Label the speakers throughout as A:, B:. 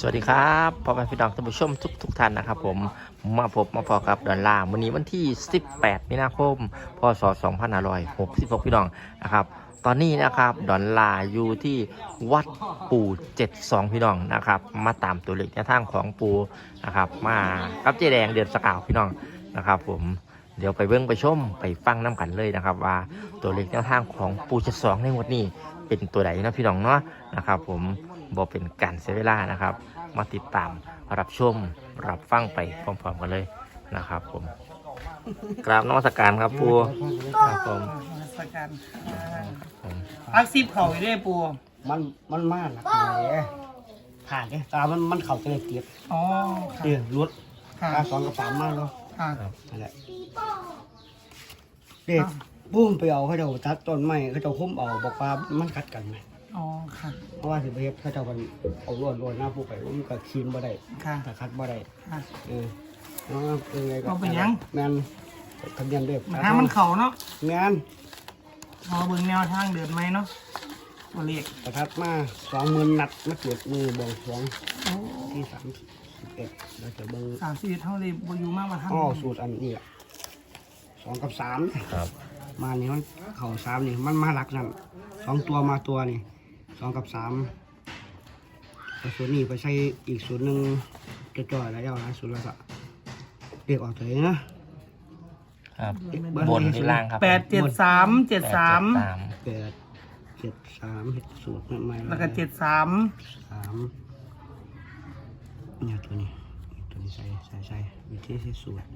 A: สวัสดีครับพ่อแม่พี่น้องท่านผู้ชมทุกท่านนะครับผมมาพบมาพอกับดอลลาร์วันนี้วันที่18มีนาคมพศ2566พี่น้องนะครับตอนนี้นะครับดอลลาร์อยู่ที่วัดปู่72พี่น้องนะครับมาตามตัวเลขในทางของปู่นะครับมากับเจ๊แดงเดือนสกาวพี่น้องนะครับผมเดี๋ยวไปเบิ้งไปชมไปฟังน้ำกันเลยนะครับว่าตัวเลขในทางของปู่72ในงวดนี้เป็นตัวไหนนะพี่น้องเนาะนะครับผมบอกเป็นการเสียเวลานะครับมาติดตามรับชมรับฟังไปพร้อมๆกันเลยนะครับผมกราบนมัสการครับปูครับผม
B: สกันอักซิบเข่าอยู่ด้วยปู
C: มันมากนะผ่านเนี่ยตามันเข่าจะเลยเกียบ
B: อ๋อค่ะ
C: เดี๋ยวรถ
B: ค่ะ
C: ตา2 กับ 3มากเนาะ
B: ค่ะ
C: นั่นแหละเด็กปุ้มไปเอาเขาเจ้าตัดต้นไม้เขาเจ้าคุ้มเอาบอกว่ามันกัดกันไหม
B: อ๋อค่ะ
C: เพราะว่าถือไปเฮ็ดเขาเจ้ามันเอาล้วนหน้าผู้ไปมันก็คีนบ่ได้
B: ค่ะ
C: แต่คัดบ่ได้
B: ค่ะ
C: น้องเป็นไงก็
B: เอาไปยัง
C: แมนทะเบียนเด็ก
B: ทางมันเข่าเนาะ
C: แมน
B: พอเบิ่งแนวทางเดินไหมเนาะตัวเลข
C: ประทัดมา20,000 นัดมาเกิดมือบวงสรวง
B: โอ้
C: ที่31แล้วจะเบิ่ง
B: 30เท่าเลยบอยู่มากมาทาง
C: สูตรอันนี้อ่ะ2 กับ 3
A: ครับ
C: มานี่มันเข่า3นี่มันมาหลักนั่น2 ตัวมาตัวนี่2 กับ 3แต่ส่วนนี้ไปใช้อีกส่วนหนึ่งจะจ่อยแล้วเอานะส่วนละสะเรียกออกตัวนี้นะครับ
A: บนที่ล่างครับ
B: 873 73
C: 8 7 3เห็ดสูตรใหม่ๆ
B: แล้วก็73
C: 3เนี่ยตัวนี้ใส่วิธีใช้สูตร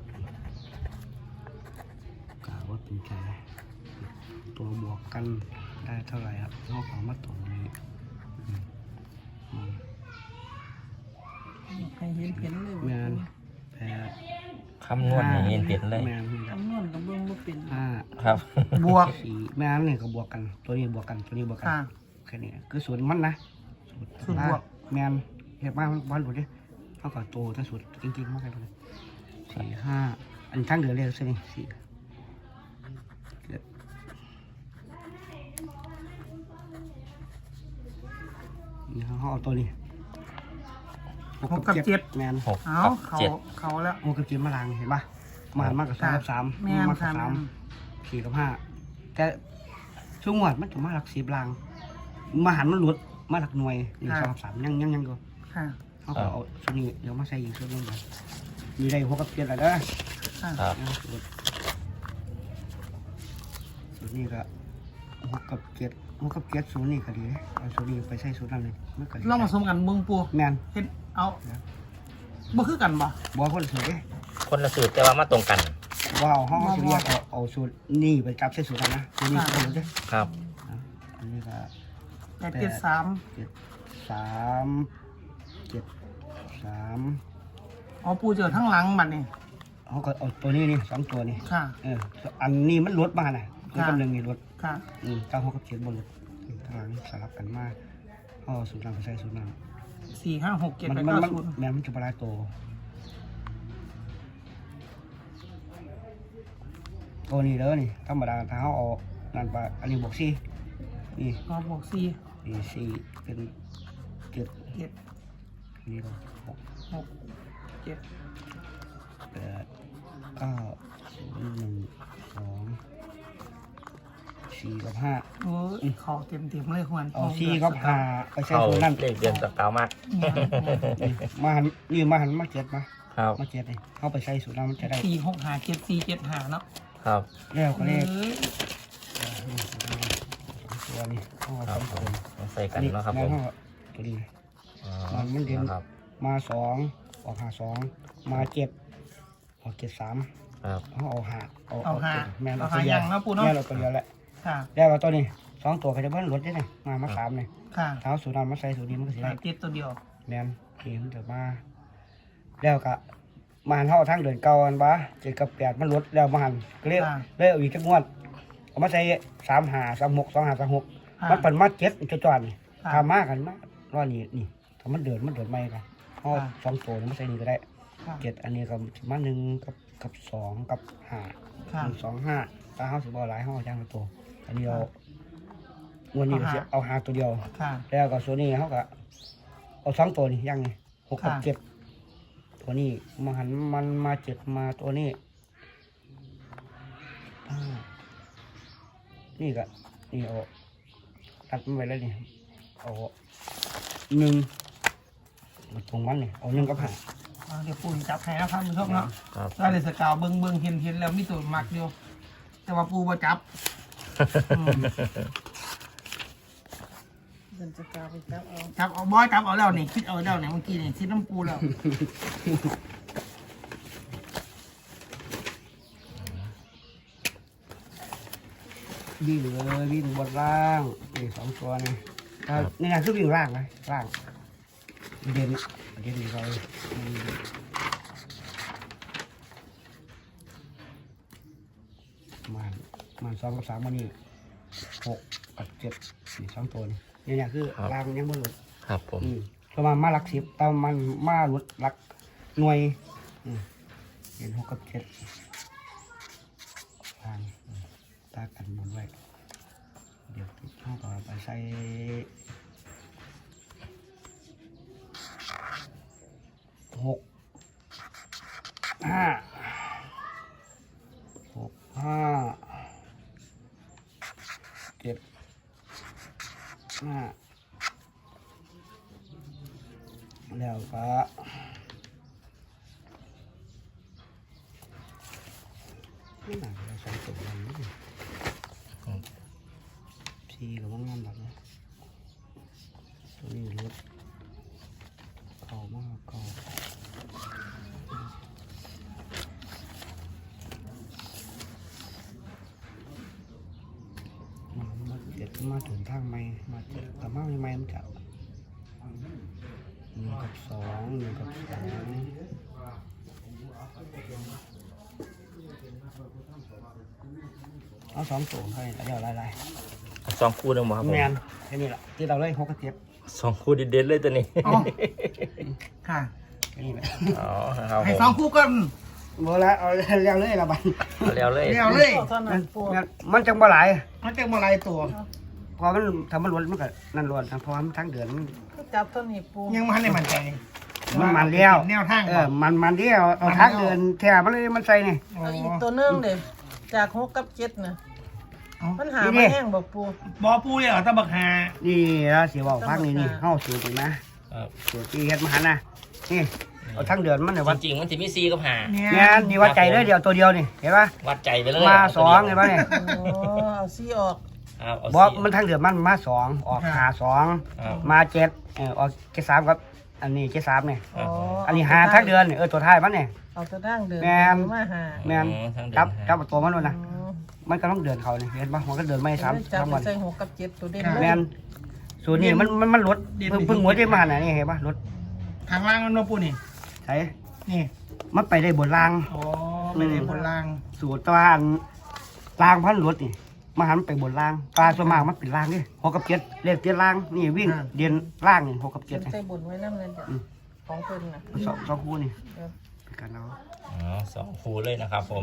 C: กล่าวว่าเป็นใจตัวบวกกันได้เท่าไหร่ครับนอกของมาตรงนี้
B: ให้เห็นเลย
C: แมน8
A: คำนวณอย่างนี้เปลี่ยนเลย
C: แมน
B: คำนวณกับเบิ่งบ่เป็น
A: ครับ
B: บวก
C: 4แมนนี่ก็บวกกันตัวนี้บวกกันตัวนี้บวกกัน
B: ค่ะ
C: แค่นี้คือสูตรมันนะ
B: สูตรบวก
C: แมนเห็นบ้านบ้านหลุดเนี่ยเท่ากับโตถ้าสูตรจริงๆมากเลย4 5อันทั้งเดือนเลยสิ4นี่เขาเอาตัวนี้6 กับ 7แมน
A: 6
B: เอา
A: กับ
B: เขา
A: 7
B: เขาแล้ว
C: 6 กับ 7มาลังเห็นปะมาหันมากกับ2 กับ 3
B: แม่น
C: มากกับ
B: ค่ะ
C: 3 4 กับ 5แต่ช่วงหวดมันจะมาหลัก10ลังมาหันมันหลุดมาหลักหน่วย1 2 3ยังอยู่
B: ค่ะ
C: เขาก็เอาชุดนี้เดี๋ยวมาใส่อีกชุดนึงก่อนมีได้6 กับ 7อะไรเด้อ
B: ค่ะ
A: ครับ
C: ชุดนี้ก็6 กับ 7 6 กับ 7ศูนย์นี่ก็ดีเอาชุดนี้ไปใส่ชุดนั้นเลยมันก็ดี
B: เรามาสมกันเบิ่งปู
C: แมน
B: เฮ็ดเอาบ่คือกันบ่
C: บัวคนละสูตรเด้
A: คนละสูตรแต่ว่ามาตรงกัน
C: ว้าวห้องสิเรียกเอาสูตรนี่ไปจับใส่สูตรนั้นนะสูตรนี้สูตรเด้
A: ครับ
C: อันนี้ก็
B: 873
C: 3
B: อ๋อปูเจอทั้งหลังบัดนี่
C: เขาก็เอาตัวนี้นี่2 ตัวนี่
B: ค่ะ
C: อันนี้มันลดมาน่ะตัวกำลังนี่ลด
B: ค่ะ
C: เก้า6 กับ 7บนลดทางสลับกันมาเขาเอาสูตรนั้นไปใส่สูตรนั้น
B: 4 5 6 7
C: มัน
B: 8 9
C: แม่มันจะปลาโตตัวนี้เด้อนี่ธรรมดาถ้าเขาเอานั่นปลาอันนี้บวก4นี่
B: 0บวก4
C: นี่4เป็น7
B: 7
C: นี่ก็6
B: 6 7
C: 8 9 0 1 2 4 กับ 5
B: โอ้ยขอเต็มเลยควร
C: เอา4กับ5ไปใส่
A: เข้า
C: สูตรนั้น
A: เลขเดือนสกาวมาก
C: มาหันนี่มาหันมาเจ็ดมา
A: ครับ
C: มาเจ็ดนี่เข้าไปใส่สูตรนั้นมันจะได้
B: 4 6 5 7 4 7 5เนาะ
A: ครับ
C: แล้วก็เลข
B: เอ้ย
C: ตัวนี้ห้อง
A: ค
C: ส
A: รั
C: อบ ง
A: ผ
C: ค
A: ม
C: น
A: ใส่กันเนาะครับผม
C: ห้องตัวนี้
A: อ๋อ
C: มันเด่น
A: ครับ
C: มา2ออก5 2มา7ออก7 3
A: ครับ
C: เขาเอาหา
B: เอาหา
C: แม่น
B: เอาหายังเนาะปูเนาะ
C: แม่นเราตัวเดียวแหละ
B: ค่ะ
C: แล้วก็ตัวนี้2 ตัวก็จะเบิ้ลรถได้เลยมา3เนี่ย
B: ค่ะ
C: เท้าสูตรนั้นมาใส่สูตรนี้มันก็สิ
B: ใส่
C: ได้
B: ติดตัวเดียว
C: แม่นนี่มันจะมาแล้วก็มาหันเท่าทั้งเดือนเก่าอันบ้า7 กับ 8มันลดแล้วมาหันก็เลยเอาอีกจักงวดเอามาใส่3 5 3 6 2 5 3 6มันเป็นมา7จะจอนทำมากกันมากรอนี่ถ้ามันเดินไม่กันเอา2 ตัวมันใส่นี่ก็ได้ 7อันนี้ก็มา1กับ2 กับ5
B: ค่ะ
C: 1 2 5ถ้าเฮาสิบ่หลายเฮาเอาจังละตัวอันนี้เอาวันนี้ก็สิเอา5ตัวเดียว
B: ค่ะ
C: แล้วก็ส่วนนี้เขาก็เอาสองตัวนี่ยังไง6 กับ 7ตัวนี้มาหันมันมา7มาตัวนี้นี่ก็นี่เอาตัดมันไว้แล้วนี่เอา1ตรงมันนี่เอา1 กับ 5
B: เดี๋ยวปูจับให้นะครับคุณผู้ชมเนาะ
A: ครับ
B: ได้เลยสกาวเบิ่งเห็นแล้วมีตัวมักอยู่แต่ว่าปูบ่จับ
D: เดินจะกาวไปจับเอา
B: จับเอาบอยจับเอาแล้วนี่คิดเอาแล้วเนี่ยเมื่อกี้นี่คิดน้ำปูแล้ว
C: วิ่งเลยวิ่งบนล่างนี่2 ตัวนี่นี่นะคือวิ่งล่างนะล่างเด่นดีเลยมัน2 กับ 3มันนี่6 กับ 7นี่2 ตัวนี่เนี่ยคือล่างยังไม่หลุด
A: ครับผม
C: ประมาณมาหลัก10แต่มันมาหลุดหลักหน่วยเห็น6 กับ 7ล่างตากันบนไว้เดี๋ยวเข้าต่อไปใส่6 5 7 5แล้วก็ไม่หนักเราใส่ตัวนี้ทีกับว่างานแบบนี้ตัวนี้รถเก่ามากเก่ามาเจ็ดมาถึงทางไม่มาเจ็ดแต่มาไม่มันจะ1 กับ 2 1 กับ 2เอา2 ตัวให้เดี๋ยวไล่
A: สองคู่หนึงบ่ครับผม
C: แมนแค่นี้แหละที่เราเลย6 กับ 7
A: สองคู่เด็ดๆเลยตัวนี้
B: อ๋อค่ะ
C: แค่นี้แหละ
A: อ๋อครับผ
B: ให้
A: ม
B: สองคู่กัน
C: หมดแล้วเอาเร็วเลยละบัน
A: เอาแล้วเลย
B: เดียวเลย
D: เท่านั้นปู
C: มันจังบ่หลาย
B: มันจะมาลายตัว
C: พอมันทำมันล้วนมันก็นั่นล้วนเพราะว่ามันทั้งเดือนมัน
D: ก็จับเท่านี้ปู
B: ยังไม่ทันได้มั่นใจ
C: มันเลี้ยว
B: แนวทาง
C: มันเลี้ยวเอาทั้งเดือนแถมมันเลยมันใส่นี่
D: เอาอีกตัวหนึงเด้จาก6 กับ 7น่ะมันหามาแห้งบ่ปู
B: บอปูเลยเหรอตะบักหา
C: นี่แล้วสิว่าพักนี่เฮาสูตรนี่นะครับ สูตรที่เฮ็ดมาหันนะนี่เอาทั้งเดือนมันเนี่ยวัด
A: จริงๆมันจะมีซีกับหา
B: เนี่ย
C: แม่นนี่วัดใจเลยเดียวตัวเดียวนี่เห็นป่ะ
A: วัดใจไปเลย
C: มา2เห็นป่ะนี่
D: โอ้เอาซี่ออก
A: ครับเอา
C: บอก
A: ซี
C: มันทั้งเดือนมันมา2ออกหา
A: ครับ
C: 2มา7ออก7 3ครับอันนี้7 3นี่
D: อ๋อ
C: อันนี้หาทั้งเดือนนี่ตัวท้ายมันนี่
D: เอาตัวทางเดิน
C: แม่น
D: มาหา
C: แม่น
A: อ๋อทั้งเดือน
C: จับตัวมันด้วยนะ
D: อืม
C: มันก็ต้องเดินเขาเนี่ยเห็นปะมันก็เดินไม่
D: จับ
C: ซ้ำ
D: ไป
C: วัน
D: ใส่6 กับ 7ตัวเด่น
C: แมนส่วนนี้มันลดเพิ่งหัวได้มาน่ะนี่เห็นปะลด
B: ทางล่างมันมาปูนี่
C: ใช่
B: นี่
C: มันไปได้บนราง
B: อ๋อไม่ได้บนล่าง
C: สูตรตะวันรางพันลดนี่มาหันไปบนรางปลาส่วนมากมันเป็นรางนี่6 กับ 7เลขเตี้ยรางนี่วิ่งเดียนล่างนี่6 กับ
D: เก็บ
C: 7
D: ใส่บนไว้นำนั่นจ้ะของเพิ่นน่ะ
C: สองคู่นี่
D: เออ
C: เป็นการเอา
A: อ๋อสองคู่เลยนะครับผม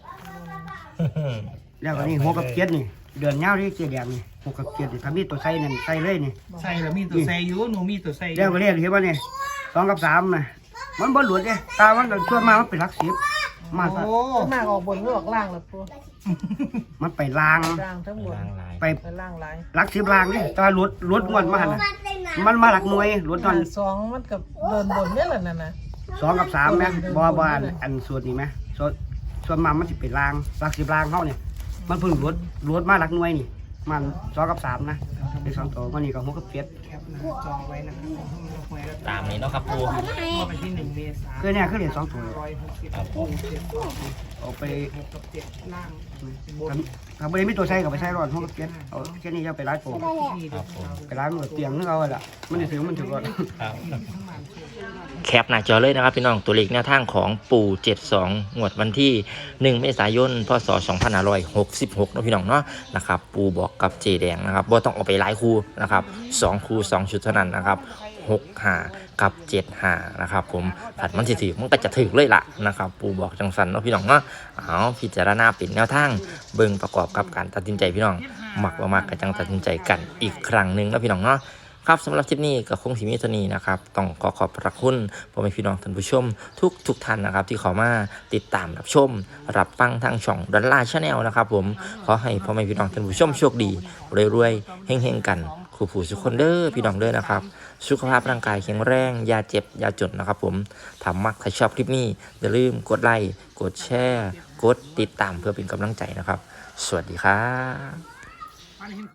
C: แล้วก็นี่6 กับ 7นี่เดือนเงาที่เจียแดงนี่6 กับ 7นี่ถ้ามีตัวใส่นั่นใส่เลยนี่
B: ใส่แล้วมีตัวใส่อยู่หนูมีตัวใส่อยู่
C: แล้วก็เรียกเห็นป่ะนี่2 กับ 3นะมันบ่หลุดเด้ตามันส่วนมากมันเป็นหลัก10มา
B: โอ้
D: ส่วนมากออกบนหรือออกล่างล่ะปู
C: มันไปลาง
D: ล่างทั้งบน
A: ล้างลาย
C: ไป
D: ไปล่างหลาย
C: หลัก10ลางนี่แต่ว่ารถงวดมาหันน่ะมันมาหลักหน่วยรถตอน
D: สองมันกับเดินบนเนี่ยแหละนั่นน่ะ
C: 2 กับ 3แม่บ่อันส่วนนี้แม่ส่วนมากมันสิเป็นลางหลัก10ลางเฮาเนี่ยมันเพิ่งรถมาหลักหน่วยนี่มัน2 กับ 3นะได้2ตัวมันนี่ก็6 กับ 7
B: แคปหน้าจอไว้นะครับหวยแล้ว
A: ตามนี้เนาะครับปู
B: ก็ไปที่1 เมษายน
C: คือเนี่ยคือเหรียญ2ตัว
A: ครับผม
C: เอาไป
B: 6 กับ 7 ล่างบน
C: ถ้าบ่ได้มีตัวใช้ก็ไปใช้รอด6 กับ 7เอาแค่นี้จะไปร้านโป
A: ครับผม
C: ไปร้านหมดเตียงนึกเอาล่ะมันสิถึงมันถึงรถ
A: ครับแคปหน้าจอเลยนะครับพี่น้องตัวเลขแนวทางของปู่72งวดวันที่1เมษายนพศ2566เนาะพี่น้องเนาะนะครับปู่บอกกับเจแดงนะครับบ่ต้องเอาไปหลายคู่นะครับ2คู่2ชุดเท่านั้นนะครับ6 5กับ7 5นะครับผมผัดมันสิถือมันก็จะถือเลยล่ะนะครับปู่บอกจังสันเนาะพี่น้องเนาะเอาพิจารณาเป็นแนวทางเบิ่งประกอบกับการตัดสินใจพี่น้องมักบ่มักก็จังตัดสินใจกันอีกครั้งหนึงเนาะพี่น้องเนาะครับสำหรับคลิปนี้ก็คงสิมีเท่านี้นะครับต้องขอบพระคุณพ่อแม่พี่น้องท่านผู้ชมทุกท่านนะครับที่เข้ามาติดตามรับชมรับฟังทางช่องดอลลาร์ชาแนลนะครับผมขอให้พ่อแม่พี่น้องท่านผู้ชมโชคดีรวยๆเฮงๆกันคู่ผู้สุขคนเด้อพี่น้องเด้อนะครับสุขภาพร่างกายแข็งแรงอย่าเจ็บอย่าจนนะครับผมถ้ามักถ้าชอบคลิปนี้อย่าลืมกดไลค์กดแชร์กดติดตามเพื่อเป็นกำลังใจนะครับสวัสดีครับ